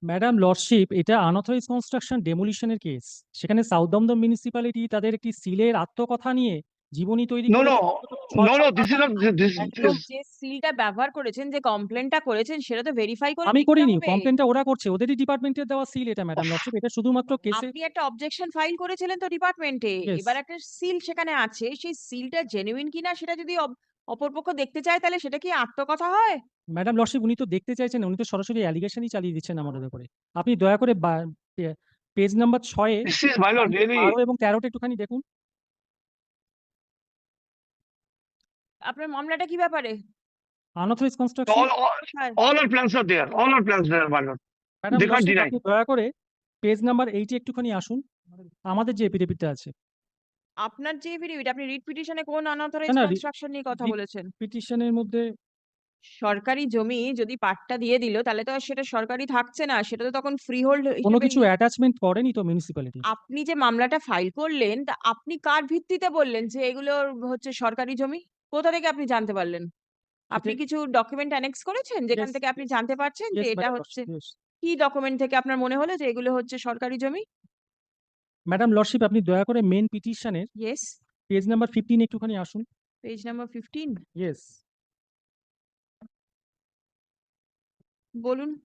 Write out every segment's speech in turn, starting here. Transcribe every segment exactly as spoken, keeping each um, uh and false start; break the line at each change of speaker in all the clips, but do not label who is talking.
Madam lordship, এটা unauthorise construction ডেমোলিশনের কেস। সেখানে সাউথ দমদম মিউনিসিপ্যালিটি তাদের একটি সিলের আত্মকথা নিয়ে জীবনী তৈরি
No,
করেছে।
no,
ছয়
no, no.
সাত
This is
পাতার।
not. This, this,
একদম
this
যে সিলটা ব্যবহার করেছেন, যে কমপ্লেনটা করেছেন সেটা তো ভেরিফাই করে
আমি
দেখতে
করিনি,
হবে।
কমপ্লেনটা ওরা করছে, ওদেরই ডিপার্টমেন্টের দেওয়া সিল এটা ম্যাডাম লর্ডশিপ। এটা শুধুমাত্র কেসে।
আপনি একটা অবজেকশন ফাইল করেছিলেন তো ডিপার্টমেন্টে।
Yes.
এবার একটা সিল সেখানে আছে, সেই সিলটা জেনুইন কিনা সেটা যদি অপ- অপরপক্ষ দেখতে চায় তাহলে সেটা কি আত্মকথা হয়?
ম্যাডাম লর্ডশিপ, উনি তো দেখতে চাইছেন না, উনি তো সরাসরি অ্যালিগেশনই চালিয়ে দিচ্ছেন আমাদের উপরে। আপনি দয়া করে পেজ নাম্বার ছয়ে
this is my lord. Really,
বারো এবং তেরোটা একটুখানি দেখুন।
আপনার মামলাটা কি ব্যাপারে?
Unauthorise construction.
all, all,
কোথায়?
all our plans are there. All our plans there, my lord.
Madam
They can't
lordship,
deny.
আপনি দয়া করে পেজ নাম্বার এইটে একটুখানি আসুন। আমাদের যে এপিডেভিটটা আছে।
আপনার যে এফিডেভিট, আপনি রিট পিটিশনে কোন আনঅথরাইজ
না, না,
কনস্ট্রাকশন নিয়ে কথা
রিট
বলেছেন?
পিটিশনের মধ্যে
সরকারি জমি যদি পাট্টা দিয়ে দিল তাহলে তো আর সেটা সরকারি থাকছে না, সেটা তো তখন ফ্রি হোল্ড
কোনো
হিসেবে
কিছু
নি-
অ্যাটাচমেন্ট করেনি তো মিউনিসিপ্যালিটি।
আপনি যে মামলাটা ফাইল করলেন তা আপনি কার ভিত্তিতে বললেন যে এগুলো হচ্ছে সরকারি জমি? কোথা থেকে আপনি জানতে পারলেন? আপনি
সেটা
কিছু ডকুমেন্ট অ্যানেক্স করেছেন যেখান
ইয়েস,
থেকে আপনি জানতে পারছেন যে
ইয়েস
এটা
ম্যাডাম
হচ্ছে?
Lordship, yes.
কি ডকুমেন্ট থেকে আপনার মনে হলো যে এগুলো হচ্ছে সরকারি জমি?
ম্যাডাম লর্ডশিপ, আপনি দয়া করে মেন পিটিশনের
ইয়েস,
পেজ নাম্বার ফিফটিন একটুখানি আসুন।
Page number fifteen.
ইয়েস,
বলুন।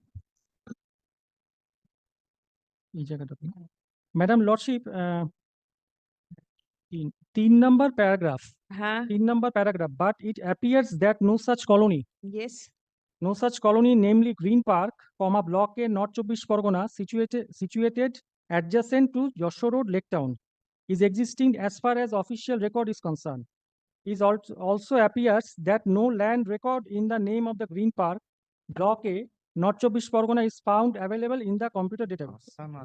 এই জায়গাটা। ম্যাডাম লর্ডশিপ, তিন তিন নাম্বার প্যারাগ্রাফ,
হ্যাঁ,
তিন number paragraph, but it appears that no such colony,
yes.
no such colony, namely Green Park, comma Block A, North Chobbish Pargona, situated situated adjacent to Joshua Road, Lake Town, is existing as far as official record is concerned. It also also appears that no land record in the name of the Green Park, Block A, North Chobbish Pargona is found available in the computer database.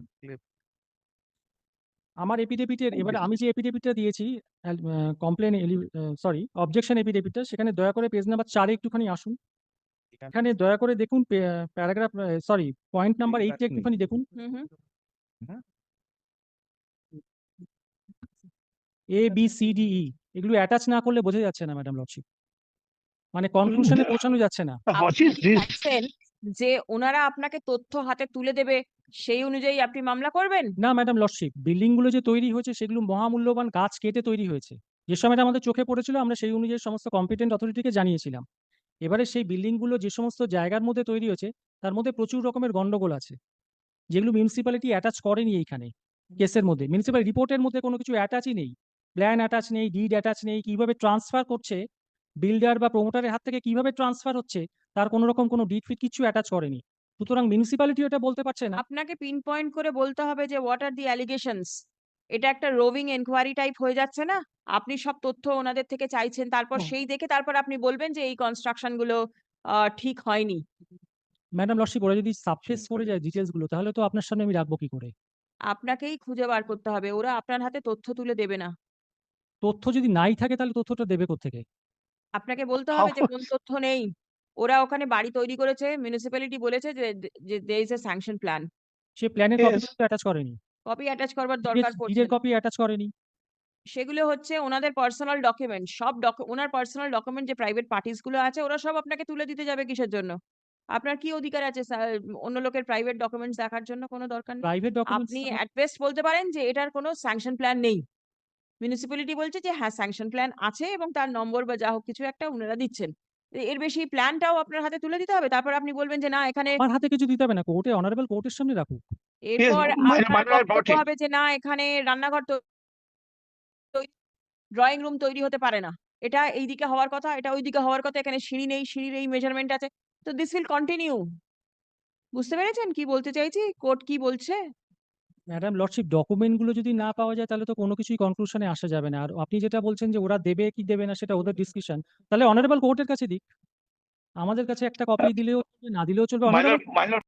আমার এপিডেভিটের, এবার আমি যে এপিডেভিটটা দিয়েছি, complain sorry objection এপিডেভিটটা, সেখানে দয়া করে page number চারে একটুখানি আসুন। এখানে দয়া করে দেখুন প্যারাগ্রাফ, সরি পয়েন্ট নাম্বার এইটটা একটুখানি দেখুন।
Hmm hmm.
A B C D E এগুলো অ্যাটাচ না করলে বোঝা যাচ্ছে না ম্যাডাম লর্ডশিপ, মানে কনক্লুশনে পৌঁছানো যাচ্ছে না।
What
আপনি
is
কি
this?
চাইছেন যে ওনারা আপনাকে তথ্য হাতে তুলে দেবে সেই অনুযায়ী আপনি মামলা করবেন?
না ম্যাডাম লর্ডশিপ, বিল্ডিং গুলো যে তৈরি হয়েছে সেগুলো মহামূল্যবান গাছ কেটে তৈরি হয়েছে। যে সময়টা আমাদের চোখে পড়েছিল আমরা সেই অনুযায়ী সমস্ত কম্পিটেন্ট অথরিটিকে জানিয়েছিলাম। এবারে সেই বিল্ডিং গুলো যে সমস্ত জায়গার মধ্যে তৈরি হয়েছে তার মধ্যে প্রচুর রকমের গন্ডগোল আছে, যেগুলো মিউনিসিপ্যালিটি অ্যাটাচ করেনি এইখানে কেসের মধ্যে। মিউনিসিপ্যাল রিপোর্টের মধ্যে কোনো কিছু অ্যাটাচই নেই, প্ল্যান অ্যাটাচ নেই, ডিড অ্যাটাচ নেই, কিভাবে ট্রান্সফার করছে বিল্ডার বা প্রমোটারের হাত থেকে কিভাবে ট্রান্সফার হচ্ছে তার কোনো রকম কোনো ডিড ফিট কিছু অ্যাটাচ করেনি। সুতরাং মিউনিসিপ্যালিটি এটা বলতে পারছে না।
আপনাকে পিন পয়েন্ট করে বলতে হবে যে হোয়াট আর দি অ্যালিগেশনস। এটা একটা রোভিং এনকোয়ারি টাইপ হয়ে যাচ্ছে না? আপনি সব তথ্য ওনাদের থেকে চাইছেন, তারপর সেই দেখে তারপর আপনি বলবেন যে এই কনস্ট্রাকশন গুলো আহ, ঠিক হয়নি।
ম্যাডাম লর্ডশিপ, ওরা যদি সাবফেস করে যায় ডিটেলস গুলো তাহলে তো আপনার সামনে আমি রাখবো কি করে?
আপনাকেই খুঁজে বার করতে হবে, ওরা আপনার হাতে তথ্য তুলে দেবে না।
তথ্য যদি নাই থাকে তাহলে তথ্যটা দেবে কোত্থেকে?
আপনাকে বলতে
How?
হবে যে কোন তথ্য নেই। ওরা ওখানে বাড়ি তৈরি করেছে, মিউনিসিপ্যালিটি বলেছে যে যে there is a sanction plan.
সে প্ল্যানের কপি
Yes.
অ্যাটাচ করেনি,
কপি অ্যাটাচ করবার দরকার পড়ছে
ডিডের
না।
কপি অ্যাটাচ করেনি।
সেগুলো হচ্ছে ওনাদের পার্সোনাল ডকুমেন্ট। সব ডক- ওনার পার্সোনাল ডকুমেন্ট যে প্রাইভেট পার্টিস গুলো আছে ওরা সব আপনাকে তুলে দিতে যাবে কিসের জন্য? আপনার কি অধিকার আছে সা- অন্য লোকের প্রাইভেট ডকুমেন্টস দেখার জন্য? কোনো দরকার নেই।
Private documents.
আপনি অ্যাট বেস্ট বলতে পারেন যে এটার কোনো স্যাংশন প্ল্যান নেই। মিউনিসিপ্যালিটি বলছে যে হ্যাঁ স্যাংশন প্ল্যান আছে এবং তার নম্বর বা যা হোক কিছু একটা ওনারা দিচ্ছেন। এ- এর বেশি প্ল্যানটাও আপনার হাতে তুলে দিতে হবে, তারপর আপনি বলবেন যে না এখানে।
আমার হাতে কিছু দিতে হবে না, কোর্টে, অনারেবল কোর্টের সামনে রাখুক।
Yes,
এরপর
my,
আপনার
my lord brought
বক্তব্য
it.
হবে যে না এখানে রান্নাঘর ড্রয়িং রুম তৈরি হতে পারে না, এটা এইদিকে হওয়ার কথা, এটা ওইদিকে হওয়ার কথা, এখানে সিঁড়ি নেই, সিঁড়ির এই মেজারমেন্ট আছে। তো দিস উইল কন্টিনিউ। বুঝতে পেরেছেন কি বলতে চাইছি, কোর্ট কি বলছে?
ম্যাডাম লর্ডশিপ, ডকুমেন্ট গুলো যদি না পাওয়া যায় তাহলে তো কোনো কিছুই কনক্লুশনে আসা যাবে না। আর আপনি যেটা বলছেন যে ওরা দেবে কি দেবে না সেটা ওদের ডিসকাশন, তাহলে অনারেবল কোর্টের কাছে দিক। আমাদের কাছে একটা কপি দিলেও চলবে, না দিলেও চলবে।
My
honourable
lord, my lord.